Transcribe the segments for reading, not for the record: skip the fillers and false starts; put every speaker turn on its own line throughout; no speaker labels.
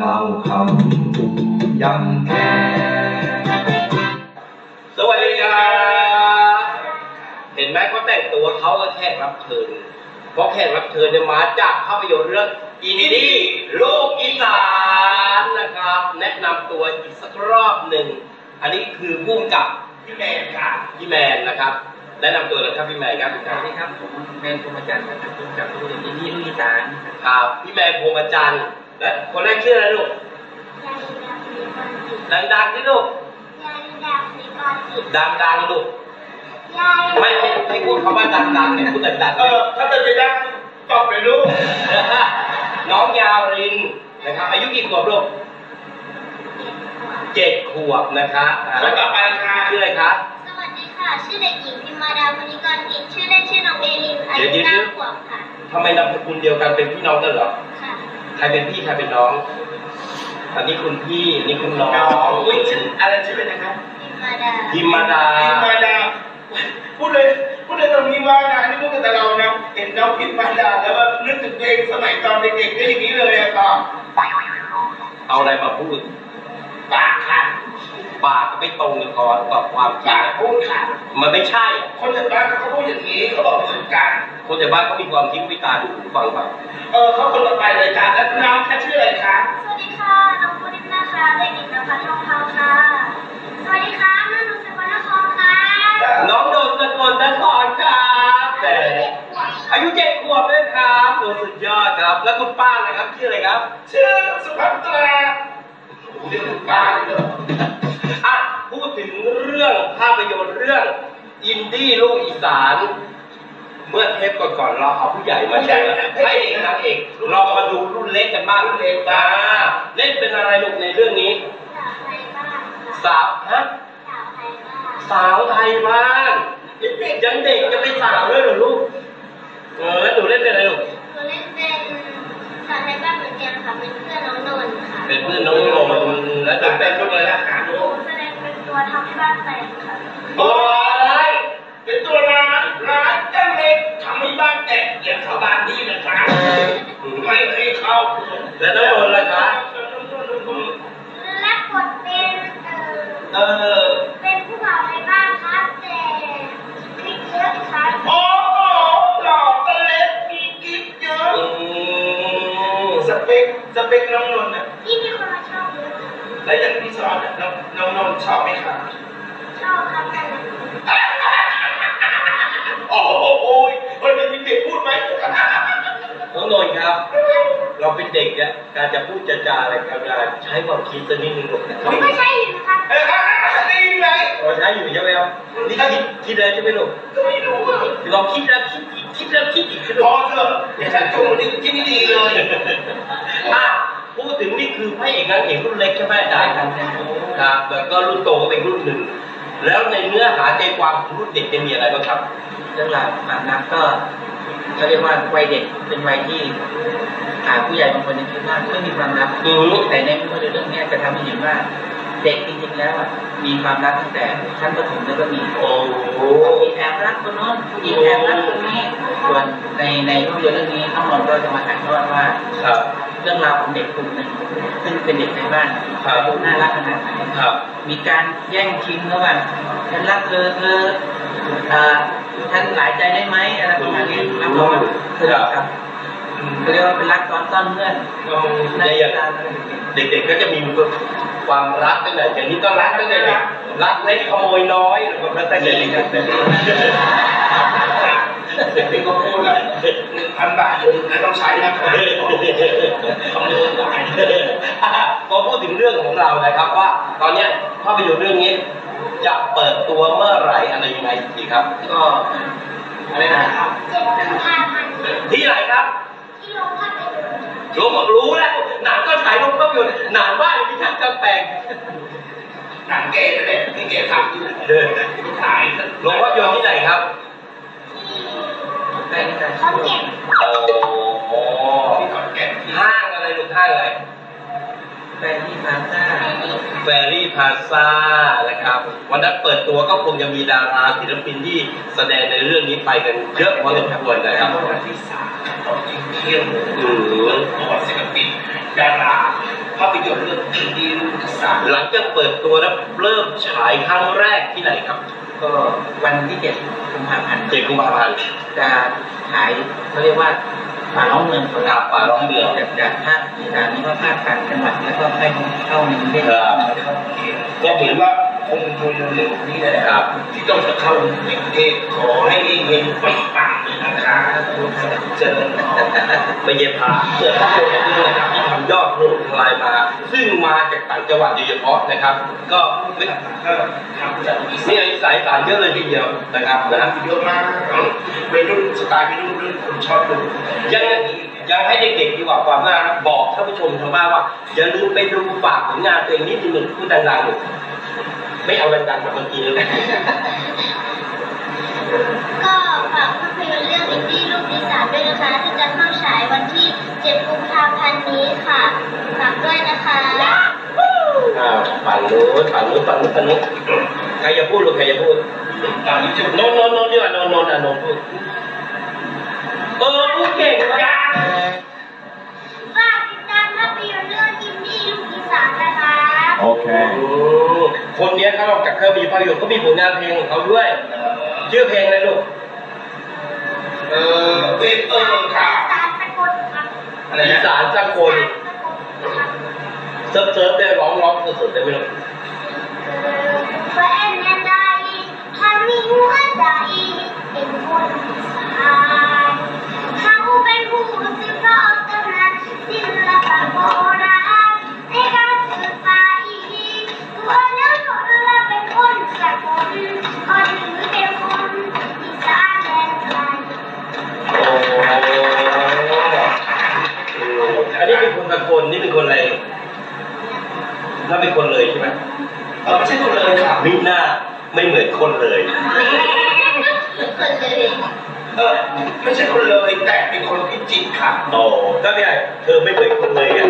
เราคำยังแค่สวัสดีครับเห็นไหมเขาแต่งตัวเขาก็แขกรับเชิญเพราะแขกรับเชิญเนี่ยมาจากภาพยนตร์เรื่องอินดี้ลูกอีสานนะครับแนะนำตัวอีกสักรอบหนึ่งอันนี้คือพุ่งกับพี่แมนครับพี่แมนนะครับแนะนำตัวเลยครับพี่แมนครับสวัสดีครับผมแมนพรหมจันทร์นะครับพุ่งกับภาพยนตร์อินดี้ลูกอีสานครับพี่แมนพรหมจันทร์และคนแรกชื่ออะไรลูกดังๆที่ลูกดังๆลูกไม่พูดคำว่าดังๆเนี่ยพูดดังๆถ้าเป็นไปได้ตอบเลยลูกน้องยาวรินนะครับอายุกี่ขวบลูก7 ขวบนะคะแล้วต่อไปค่ะชื่ออะไรคะ
สวัสดีค่ะชื่อเด็กหญิงพิมมาดามณิกรกิจชื่อเล่นชื่อน้องเอลินอายุ9 ขวบค่ะ
ทำไมนามสกุลเดียวกันเป็นพี่น้องกันเหรอ
ค่ะ
ใครเป็นพี่ใครเป็นน้องอันนี้คุณพี่นี่คุณน้องอุ้ยชื่ออะไรชื่อเป็นนะครับพิมมาดา
พูดเลยตรงนี้ว่านะนี่พูดกับเรานะเห็นน้องพิมมาดาแล้วว่านึกถึงเพลงสมัยตอนเด็กๆก็อย่างนี้เลยอะต่อ
เอาอะไรมาพูด
ปากค่ะ
ปากไม่ตรงกับความจริง
พูดค่ะ
มันไม่ใช่
คนจากบ้านเขาพูดอย่างนี้เขาบอกเหมือนกัน
คนจากบ้านเขามีความคิดวิจารณ์ดูฟังแบบ
เขาคนต่อไปเลยจ้ะแล้วน้องชื่ออะไรคะ
สวัสดีค่ะน้องปุณิมาค่ะเด็กหญิงนภัสทองคำค่ะสวัสดีค่ะน้องสกลนครค่ะ
น้องโดนสกลนครครับแต่อายุ7 ขวบเลยครับตัวสุดยอดครับแล้วคุณป้านะครับชื่ออะไรครับ
ชื่อสุภัตราเรียกคุณป้าเลย
พูดถึงเรื่องภาพยนตร์เรื่องอินดี้ลูกอีสานเมื่อเทปก่อนๆเราเอาผู้ใหญ่มาแชร์ให้เอกนางเอกเรามาดูรุ่นเล็กกันบ้างรุ่นเล็กเล่นเป็นอะไรลูกในเรื่องนี้สาวไทยบ้านยังเด็กจะเป็นสาวด้วยเหรอลูกแล้วหนูเล่นเป็นอะไรลูก
หนูเล่นเป็นสาวไทยบ้านเหมือนกันค่ะเป็นเพื่อนน้องนนท์ค่ะ
เป็นเพื่อนน้องนนท์แล้วจะเป็นลูกอะไรล่ะ
หนูแสดงเป็นตัวทำให้บ้านแตกค่ะ
โอ้ยเป็นตัวร้านเจ้าเล็กทำให้บ้านแตกอย่างชาวบ้านนี่นะคะไม่ให้เข้า
แล้วน้องนนท์ล่ะคะ
รับบทเป็นผู้บ่าวในบ้านครับแต่คลิปเยอะครับ
โอ้หล่อกันเล็กมีคลิปเยอะสเปคน้องนนท์นะ
ที่มีคนมาชอบเยอะ
แล้วอย่างพี่สอนน้องนนท์ชอบไหมครับ
ชอบครับ
โอ้โหวันนี้มีเด็กพูดไหม
น้องนนท์ครับเราเป็นเด็กเนี่ยการจะพูดจาอะไรกันใช้ความคิดสักนิดนึงลูก
ผมก็ใช้อยู่นะครับ
ได้ยินไหม
ใช้อยู่ใช่ไหมครับนี่คิดอะไรใช่ไหมลูก
ไม่รู้
ลองคิดแล้วคิดอีก
พอเถอะอย่าชักจูงที่ไม่ดีเลย
พูดถึงนี่คือพระเอกนางเอกรุ่นเล็กใช่ไหมอาจารย์ครับแล้วก็รุ่นโตก็เป็นรุ่นหนึ่งแล้วในเนื้อหาใจความของรุ่นเด็กจะมีอะไรบ้างครับ
เรื่องราวความรักก็เขาเรียกว่าวัยเด็กเป็นวัยที่ผู้ใหญ่บางคนคิดว่าไม่มีความรักแต่ในเรื่องนี้จะทำให้เห็นว่าเด็กจริงๆแล้วมีความรักตั้งแต่ชั้นประถมแล้วก็มีมีแอบรักคนโน้นมีแอบรักคนนี้ส่วนในภาพยนตร์เรื่องนี้น้องนนท์ก็จะมาถ่ายทอดว่าเรื่องราวของเด็กกลุ่มหนึ่งซึ่งเป็นเด็กในบ้านน่ารักขนาดไหนมีการแย่งชิงระหว่างฉันรักเธอท่านหลายใจได้ไหมอะไรประมาณนี้รับรองครับเรียกว่าเป็นรักตอนต้นเพื่อน
ในเด็กๆก็จะมีความรักตั้งแต่อย่างนี้ก็รักตั้งแต่เด็กรักเล็กขโมยน้อยหรือว่าตั้งแต่เด็กแต่
เด็กๆก็พูดเลย1,000 บาทต้องใช้นะครับ
พอพูดถึงเรื่องของเรานะครับว่าตอนนี้ภาพยนตร์เรื่องนี้จะเปิดตัวเมื่อไหร่อะไรยังไงดีครับ
ก็อะไรนะครับ
ที่ไหนครับ
ที่โรงภาพยนตร์
รู้แล้วหนังก็ฉายโรงภาพยนตร์หนังบ้านที่ท่านกำแพง
หนังเก๋เลยที่เก๋ทำอยู่ถ่าย
โรงภาพยนตร์ที่ไหนครับ
ที่ขอนแก่น
ที่ขอนแก่น
ห้างอะไรลูกห้างอะไร
แฟรี่พา
ซ่านะครับวันนั้นเปิดตัวก็คงจะมีดาราศิลปินที่แสดงในเรื่องนี้ไปกันเยอะพอสมควรนะครับ
วันที่3ตอนเที่ยงตัวศิลปินดาราภาพยนตร์เรื่องอินดี้ลูกอีสาน
หลังจากเปิดตัวแล้วเริ่มฉายครั้งแรกที่ไหนครับ
ก็วันที่7 กุมภาพันธ์
7 กุมภาพันธ์
จะฉายเขาเรียกว่าป่าล้อมเมืองของเรา
ป่าล้อมเมือง
จากภาคอีสานนี่ว่าภาคกลางจังหวัดแล้วก็ไปเข้าในกรุงเทพ
ก็ถือว่าคงโดยเร็วๆนี้แหละครับที่ต้องจะเข้าในกรุงเทพขอให้เฮงๆปังๆเลยนะคะเจอ
ไม่เย็บผ้าเสื้อผ้าตัวนี้นะครับที่ทำยอดโหดทลายมา ซึ่งมาจากต่างจังหวัดโดยเฉพาะนะครับ ก็ไม่
ก็ทำจากอีสาน
นี่สายสารเยอะเลยทีเดียวนะครับนะ
เยอะมากเป็นรุ่นสไตล์เป็นรุ่นคนชอบดู
ยังให้เด็กๆดีกว่าความน่ารักบอกท่านผู้ชมทางบ้านว่าอย่าลืมไปดูฝากผลงานตัวเองนิดนึงพูดดังๆหน่อยไม่เอาดังๆแบบเมื่อกี้เลย
ก็ฝากภาพยนตร์เรื่องอินดี้ลูกอีสานด้วยนะคะที่จะเข้าฉายวันที่ 7 กุมภาพันธ์นี้ค่ะฝากด้วยนะคะ
ฝั่งนู้นใครจะพูดลูกใครจะพูด
ตอนนี้จะ
โนนดีกว่าโนนพูดพูดเก่งมาก
ฝากติดตามภาพยนตร์เรื่องอินดี้ลูกอีสานนะคะ
คนนี้เขาออกจากเครื่องมีภาพยนตร์ก็มีผลงานเพลงของเขาด้วยชื่อเพลงอะไรลูก
ค่ะ
สารสกลครับ
อะไร
อี
นะ
สานสากลเซิร์ฟได้ร้องสุดๆได้ไหมลูก
แฟนยันใดถ้ามีหัวใจเป็นคนอีสานเขาเป็นผู้สืบทอดตำนานศิลปะโบราณในการสืบไปตัวเนื้อคนละเป็นคนสกลก็ถือเป็นคนอีสานแดนไกล
อันนี้เป็นคนสกลนี่เป็นคนอะไรถ้าเป็นคนเลยใช่ไหม
ไม่ใช่คนเลยค่ะ
มิหน้าไม่เหมือนคนเลย
ไม่ใช่คนเลยแต่เป็นคนพิจิตรค่ะ
โตก็ไม่ใช่เธอไม่เหมือนคนเลยไง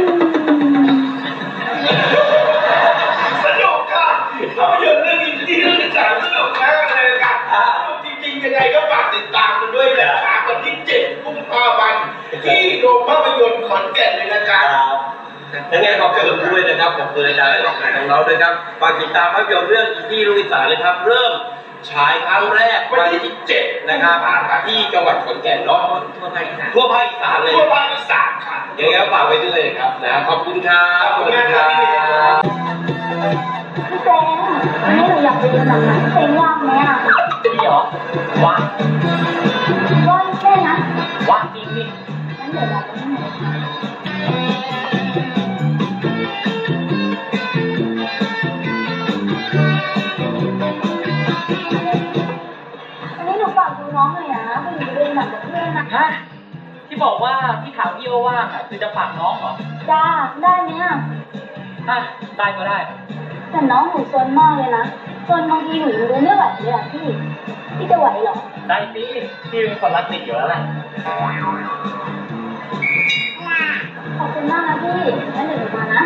สนุกค่ะภาพยนตร์เรื่องอินดี้เรื่องอีสานสนุกมากเลยค่ะจริงๆยังไงก็ฝากติดตามกันด้วยนะคะวันที่ 7 กุมภาพันธ์ที่โรงภาพยนตร์ขอนแก่นเลยนะคะ
ยังไงขอบคุณด้วยนะครับขอบคุณอาจารย์ของเราด้วยครับฝากติดตามภาพยนตร์เรื่องอินดี้ลูกอีสานเลยครับ เริ่มฉายครั้งแรกวันที่ 7 นะครับที่จังหวัดขอนแก่นเนาะทั่วภาคอีสานเลย
ทั่วภาคอีสานค่ะ
ยังไงก็ฝากไว้ด้วยนะครับนะขอบคุณครับสวัสดีครับ
พี่เจงวันนี้หนูอยากไปดูหนังนะพี่เจงว่างไหมอ่ะ
นี่เหรอว่าง
ว่างแค่นะ
ว่างจริงนี่
งั้นเดี๋ยวเราไปที่ไหนวันนี้หนูฝากดูน้องหน่อยนะไปดูเรื่องหนังกับเพื่อนนะ
ฮะที่บอกว่าที่ถามพี่ว่าว่างอ่ะคือจะฝากน้องเหรอ
จ้าได้ไหมอ่ะ
อ่ะได้ก็ได้
แต่น้องหนูซนมากเลยนะซนบางทีหนูยังดูไม่ไหวเลยอ่ะพี่จะไหวเหรอ
ได้สิพี่เป็นคนรักเด็กอยู่แล้วแหละ
ขอบคุณมากนะพี่งั้นเดี๋ยวหนูมานะ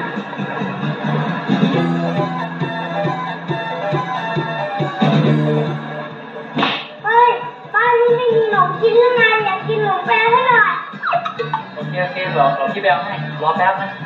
เฮ้ยบ้านนี้ไม่มีขนมกินหรือไงอยากกินขนมแปรให้หน่อย
โอเครอพี่แบลให้รอแป๊บนะ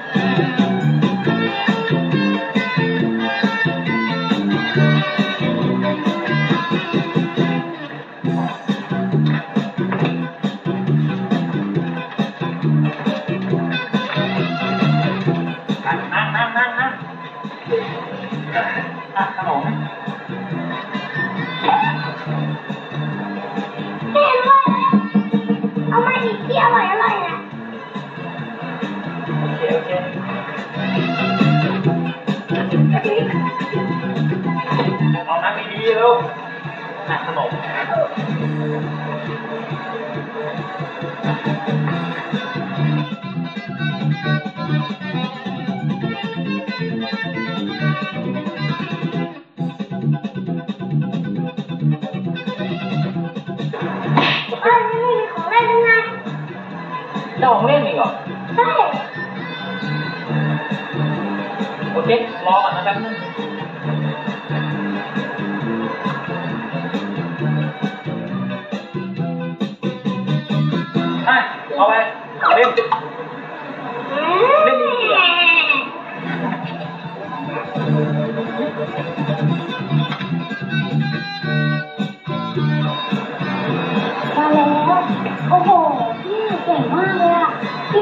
นั่งขนม
เต็มเลยเอามาอีกที่อร่อยนะ
โอเคเอานั่งดีๆเร็วขนม
บ้านนี้ไม่มีของเล่นยังไง
เจ้าของเล่นอีกเหรอ
ใช่
โอเครอก่อนนะแป๊บนึงเอาไปเล่น เล่นดีๆ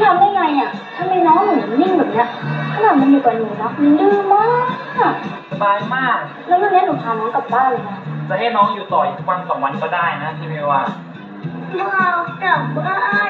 ทำได้ไงอ่ะทำไมน้องหนูนิ่งแบบเนี้ยขนาดมันอยู่กับหนูนะมันดื้อมาก
สบายมาก
แล้ววันนี้หนูพาน้องกลับบ้านเลยนะ
จะให้น้องอยู่ต่ออีกวัน2 วันก็ได้นะที่ไม่ว่า
ว้าวกลับบ้าน